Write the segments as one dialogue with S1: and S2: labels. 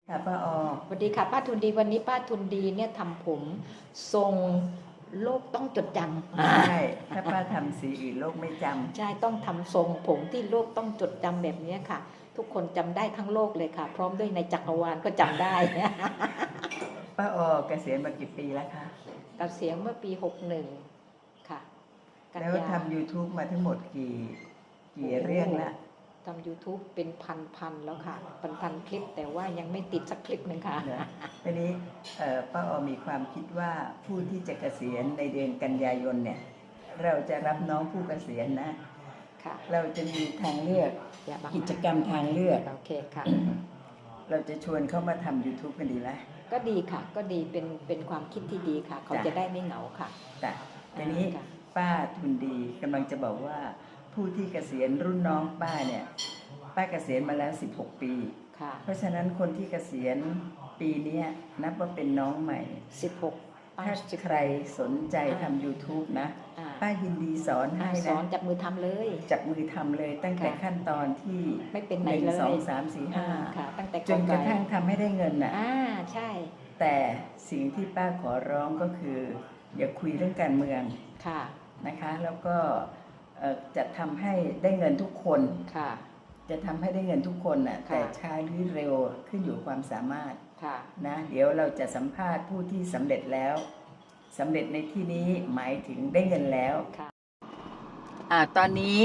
S1: ค่ะป้าออ
S2: สวัสดีค่ะป้าทุนดีวันนี้ป้าทุนดีเนี่ยทำผมทรงโลกต้องจดจำ
S1: ใช่ถ้าป้าทำสีอื่นโลกไม่จำ
S2: ใช่ต้องทำทรงผมที่โลกต้องจดจำแบบนี้ค่ะ ทุกคนจำได้ทั้งโลกเลยค่ะ พร้อมด้วยในจักรวาลก็จำได้
S1: ป้าออเกษียณมากี่ปีแล้วคะ
S2: เกษียณเมื่อปี61ค่ะกัน
S1: แล้ว
S2: ยา
S1: ทำ YouTube มาทั้งหมดกี่เรื่องละ
S2: ทำ YouTube เป็นพันแล้วค่ะพันคลิปแต่ว่ายังไม่ติดสักคลิปหนึ่งค่ะ
S1: ทีนี้ป้าออมีความคิดว่าผู้ที่จะเกษียณในเดือนกันยายนเนี่ยเราจะรับน้องผู้เกษียณนะ
S2: ค่ะ
S1: เราจะมีทางเลือกกิจกรรมทางเลือก
S2: โอเคค่ะ
S1: เราจะชวนเขามาทำ YouTube กันดีไหม
S2: ก็ดีค่ะก็ดีเป็นความคิดที่ดีค่ะเขาจะได้ไม่เหงาค่ะ
S1: แต่ทีนี้ป้าทุนดีกำลังจะบอกว่าผู้ที่เกษียณรุ่นน้องป้าเนี่ยป้าเกษียณมาแล้ว16 ปี
S2: ค่ะ
S1: เพราะฉะนั้นคนที่เกษียณปีนี้นับว่าเป็นน้องใหม่
S2: 16
S1: ถ้าใครสนใจทำ YouTube นะป้ายินดีสอนให้นะ
S2: สอนจับมือทำเลย
S1: จับมือทำเลยตั้งแต่ขั้นตอนที่
S2: ไม่เป็นไหนเลย
S1: 1 2 3 4 5
S2: ค่ะตั้งแต่
S1: จนกระทั่งทำให้ได้เงินน่ะ
S2: ใช่
S1: แต่สิ่งที่ป้าขอร้องก็คืออย่าคุยเรื่องการเมือง
S2: ค่ะ
S1: นะคะแล้วก็จะทำให้ได้เงินทุกคน
S2: ค่ะ
S1: จะทำให้ได้เงินทุกคนน่ะแต่ช้าหรือเร็วขึ้นอยู่ความสามารถนะเดี๋ยวเราจะสัมภาษณ์ผู้ที่สำเร็จแล้วสำเร็จในที่นี้หมายถึงได้เงินแล้วตอนนี้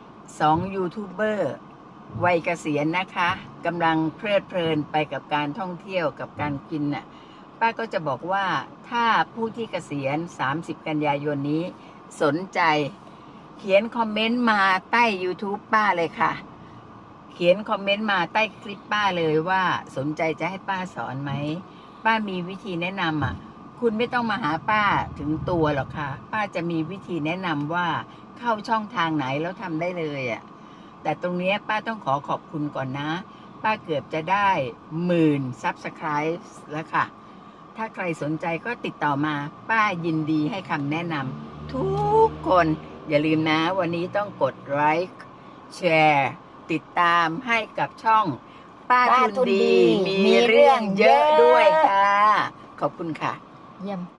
S1: 2ยูทูบเบอร์วัยเกษียณนะคะกำลังเพลิดเพลินไปกับการท่องเที่ยวกับการกินน่ะป้าก็จะบอกว่าถ้าผู้ที่เกษียณ30 กันยายนนี้สนใจเขียนคอมเมนต์มาใต้ YouTube ป้าเลยค่ะเขียนคอมเมนต์มาใต้คลิปป้าเลยว่าสนใจจะให้ป้าสอนไหมป้ามีวิธีแนะนำคุณไม่ต้องมาหาป้าถึงตัวหรอกค่ะป้าจะมีวิธีแนะนำว่าเข้าช่องทางไหนแล้วทำได้เลยแต่ตรงนี้ป้าต้องขอบคุณก่อนนะป้าเกือบจะได้10,000 Subscribe แล้วค่ะถ้าใครสนใจก็ติดต่อมาป้ายินดีให้คำแนะนำทุกคนอย่าลืมนะวันนี้ต้องกดไลค์แชร์ติดตามให้กับช่องป้าทุนดีมีเรื่องเยอะด้วยค่ะขอบคุณค่ะ
S2: เยี่ยม